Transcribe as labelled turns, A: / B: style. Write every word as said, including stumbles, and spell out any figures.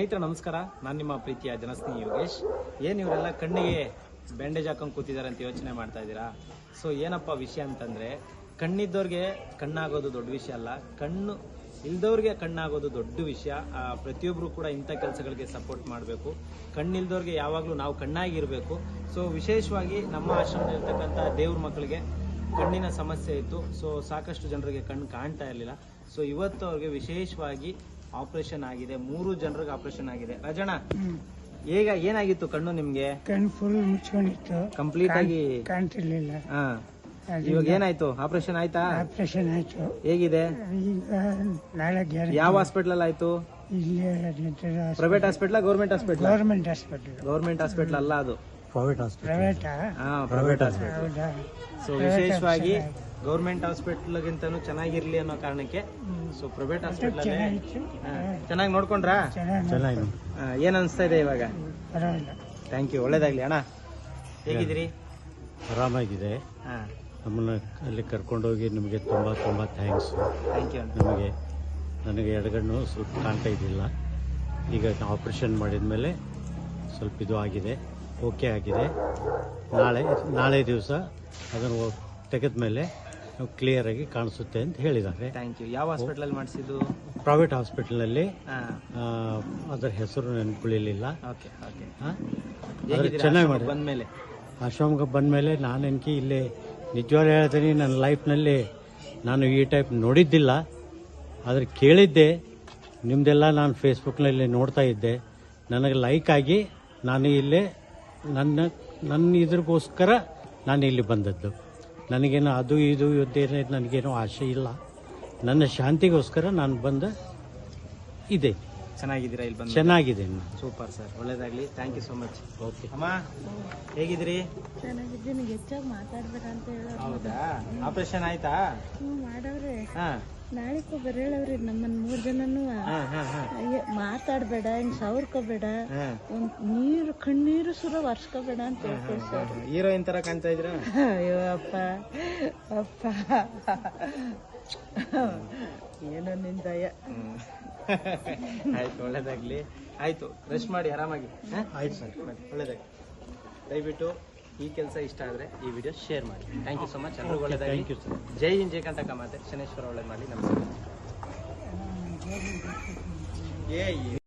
A: ಸ್ನೇಹಿತರೆ ನಮಸ್ಕಾರ, ನಾನು ನಿಮ್ಮ ಪ್ರೀತಿಯ ಜನಸ್ನೇಹಿ ಯೋಗೇಶ್. ಏನು ಇವರೆಲ್ಲ ಕಣ್ಣಿಗೆ ಬ್ಯಾಂಡೇಜ್ ಹಾಕೊಂಡು ಕೂತಿದ್ದಾರೆ ಅಂತ ಯೋಚನೆ ಮಾಡ್ತಾ ಇದ್ದೀರಾ? ಸೊ ಏನಪ್ಪ ವಿಷಯ ಅಂತಂದರೆ, ಕಣ್ಣಿದ್ದವ್ರಿಗೆ ಕಣ್ಣಾಗೋದು ದೊಡ್ಡ ವಿಷಯ ಅಲ್ಲ, ಕಣ್ಣು ಇಲ್ದವ್ರಿಗೆ ಕಣ್ಣಾಗೋದು ದೊಡ್ಡ ವಿಷಯ. ಪ್ರತಿಯೊಬ್ಬರು ಕೂಡ ಇಂಥ ಕೆಲಸಗಳಿಗೆ ಸಪೋರ್ಟ್ ಮಾಡಬೇಕು. ಕಣ್ಣಿಲ್ದವ್ರಿಗೆ ಯಾವಾಗಲೂ ನಾವು ಕಣ್ಣಾಗಿರಬೇಕು. ಸೊ ವಿಶೇಷವಾಗಿ ನಮ್ಮ ಆಶ್ರಮದಲ್ಲಿರ್ತಕ್ಕಂಥ ದೇವ್ರ ಮಕ್ಕಳಿಗೆ ಕಣ್ಣಿನ ಸಮಸ್ಯೆ ಇತ್ತು. ಸೊ ಸಾಕಷ್ಟು ಜನರಿಗೆ ಕಣ್ಣು ಕಾಣ್ತಾ ಇರಲಿಲ್ಲ. ಸೊ ಇವತ್ತು ಅವ್ರಿಗೆ ವಿಶೇಷವಾಗಿ ಆಪರೇಷನ್ ಆಗಿದೆ. ಮೂರು ಜನರಿಗೆ ಆಪರೇಷನ್ ಆಗಿದೆ. ರಾಜಣ್ಣ, ಈಗ ಏನಾಗಿತ್ತು ಕಣ್ಣು ನಿಮ್ಗೆ?
B: ಕಣ್ಣು ಫುಲ್ ಮುಚ್ಕೊಂಡಿತ್ತು,
A: ಕಂಪ್ಲೀಟ್ ಆಗಿ
B: ಕಾಣ್ತಿರ್ಲಿಲ್ಲ.
A: ಹಾ, ಇವಾಗ ಏನಾಯ್ತು? ಆಪರೇಷನ್ ಆಯ್ತಾ?
B: ಆಪರೇಷನ್ ಆಯ್ತು.
A: ಹೇಗಿದೆ
B: ಈಗ ನಾಳೆ ಗ್ಯಾರಂಟಿ.
A: ಯಾವ ಹಾಸ್ಪಿಟಲ್ ಆಯ್ತು?
B: ಇಲ್ಲಿ
A: private hospital, government hospital?
B: Government hospital.
A: Government hospital ಅಲ್ಲ, ಅದು
C: ಪ್ರೈವೇಟ್ ಹಾಸ್ಪಿಟಲ್.
B: ಪ್ರೈವೇಟ್
A: ಹಾ, ಪ್ರೈವೇಟ್ ಹಾಸ್ಪಿಟಲ್.
B: ಹೌದಾ?
A: ಸೊ ವಿಶೇಷವಾಗಿ ಗೌರ್ಮೆಂಟ್ ಹಾಸ್ಪಿಟಲ್ ಗಿಂತನೂ ಚೆನ್ನಾಗಿರ್ಲಿ ಅನ್ನೋ ಕಾರಣಕ್ಕೆ ಸೊ ಪ್ರೈವೇಟ್ ಹಾಸ್ಪಿಟಲ್ ಚೆನ್ನಾಗಿ ನೋಡ್ಕೊಂಡ್ರಾ?
C: ಚೆನ್ನಾಗಿ.
A: ಏನ್ ಅನ್ಸ್ತಾ ಇದೆ ಇವಾಗ?
B: ಪರವಾಗಿಲ್ಲ.
A: ಥ್ಯಾಂಕ್ ಯು, ಒಳ್ಳೇದಾಗ್ಲಿ ಅಣ್ಣ. ಹೇಗಿದ್ದೀರಿ?
C: ಆರಾಮಾಗಿದೆ.
A: ಹಾ,
C: ನಮ್ಮನ್ನು ಅಲ್ಲಿ ಕರ್ಕೊಂಡೋಗಿ ನಿಮಗೆ ತುಂಬ ತುಂಬ ಥ್ಯಾಂಕ್ಸ್.
A: Thank you.
C: ನಮಗೆ ನನಗೆ ಎಡಗಣ್ಣು ಸ್ವಲ್ಪ ಕಾಣ್ತಾ ಇದ್ದಿಲ್ಲ. ಈಗ ಆಪ್ರೇಷನ್ ಮಾಡಿದ ಮೇಲೆ ಸ್ವಲ್ಪ ಇದು ಆಗಿದೆ, ಓಕೆ ಆಗಿದೆ. ನಾಳೆ ನಾಳೆ ದಿವಸ ಅದನ್ನು ತೆಗೆದ ಮೇಲೆ ಕ್ಲಿಯರಾಗಿ ಕಾಣಿಸುತ್ತೆ ಅಂತ ಹೇಳಿದ್ದಾರೆ.
A: Thank you. ಯಾವ ಹಾಸ್ಪಿಟಲ್ ಮಾಡಿಸಿದ್ದು?
C: ಪ್ರೈವೇಟ್ ಹಾಸ್ಪಿಟಲ್ನಲ್ಲಿ.
A: ಹಾ,
C: ಅದರ ಹೆಸರು ನೆನಪುಳಿಲಿಲ್ಲ.
A: Okay okay.
C: ಚೆನ್ನಾಗಿ ಮಾಡಿ.
A: ಬಂದ್ಮೇಲೆ
C: ಆಶ್ರಮಕ್ಕೆ ಬಂದಮೇಲೆ ನಾನು ಎನ್ಕಿ ಇಲ್ಲಿ ನಿಜವಾಗ್ಲೂ ಹೇಳ್ತೀನಿ, ನನ್ನ ಲೈಫ್ನಲ್ಲಿ ನಾನು ಈ ಟೈಪ್ ನೋಡಿದ್ದಿಲ್ಲ. ಆದರೆ ಕೇಳಿದ್ದೆ, ನಿಮ್ಮದೆಲ್ಲ ನಾನು ಫೇಸ್ಬುಕ್ನಲ್ಲಿ ನೋಡ್ತಾ ಇದ್ದೆ. ನನಗೆ ಲೈಕ್ ಆಗಿ ನಾನು ಇಲ್ಲೇ ನನ್ನ ನನ್ನ ಇದ್ರಿಗೋಸ್ಕರ ನಾನು ಇಲ್ಲಿ ಬಂದದ್ದು. ನನಗೇನು ಅದು ಇದು ಇದ್ದೇನೆ, ನನಗೇನು ಆಸೆ ಇಲ್ಲ. ನನ್ನ ಶಾಂತಿಗೋಸ್ಕರ ನಾನು ಬಂದ ಇದೆ.
A: ಚೆನ್ನಾಗಿದ್ದೀರಾ? ಇಲ್ಲಿ ಬಂದು
C: ಚೆನ್ನಾಗಿದೆ.
A: ಸೂಪರ್ ಸರ್, ಒಳ್ಳೇದಾಗ್ಲಿ. Thank you so much.
C: Okay
A: ಅಮ್ಮ, ಹೇಗಿದ್ದೀರಿ?
D: ಚೆನ್ನಾಗಿದ್ದೀನಿ. ಹೆಚ್ಚಾಗಿ ಮಾತಾಡ್ಬೇಡ ಅಂತ ಹೇಳೋರು.
A: ಹೌದಾ? ಆಪರೇಷನ್ ಆಯ್ತಾ?
D: ಹ್ಞೂ ಮಾಡವ್ರೆ.
A: ಹಾ
D: ನಾಳೆಗೂ ಬರೇಳವ್ರಿ ನಮ್ಮನ್ ಮೂರ್ ಜನನು.
A: ಹಾ ಹಾ ಹಾ
D: ಮಾತಾಡ್ಬೇಡ, ಹಿಂಗ್ ಸವರ್ಕೋಬೇಡ,
A: ಹಾ.
D: ಒಂದ್ ನೀರು ಕಣ್ಣೀರು ಸುರ ವರ್ಷಕೋಬೇಡ ಅಂತ ಹೇಳ್ತಾರೆ ಸರ್.
A: ಹೀರೋಯಿನ್ ತರ ಕಾಣ್ತಾ ಇದ್ರ?
D: ಅಯ್ಯೋ ಅಪ್ಪ ಅಪ್ಪ, ಏನೋ ನಿನ್ ದಯ.
A: ಆಯ್ತು, ಒಳ್ಳೇದಾಗ್ಲಿ. ಆಯ್ತು, ರೆಸ್ಟ್ ಮಾಡಿ ಆರಾಮಾಗಿ.
C: ಆಯ್ತು ಸರ್,
A: ಒಳ್ಳೇದಾಗ್ಲಿ. ದಯವಿಟ್ಟು ಈ ಕೆಲಸ ಇಷ್ಟ ಆದ್ರೆ ಈ ವಿಡಿಯೋ ಶೇರ್ ಮಾಡಿ. Thank you so much. ಎಲ್ಲರಿಗೂ ಒಳ್ಳೇದಾಗ್ಲಿ.
C: Thank you sir.
A: ಜೈ ಹಿಂದ್, ಜೈ ಕಂಟಕ ಮಾತೆ. ಶನೇಶ್ವರ ಒಳ್ಳೇದ್ ಮಾಡಿ. ನಮಸ್ಕಾರ. ಏ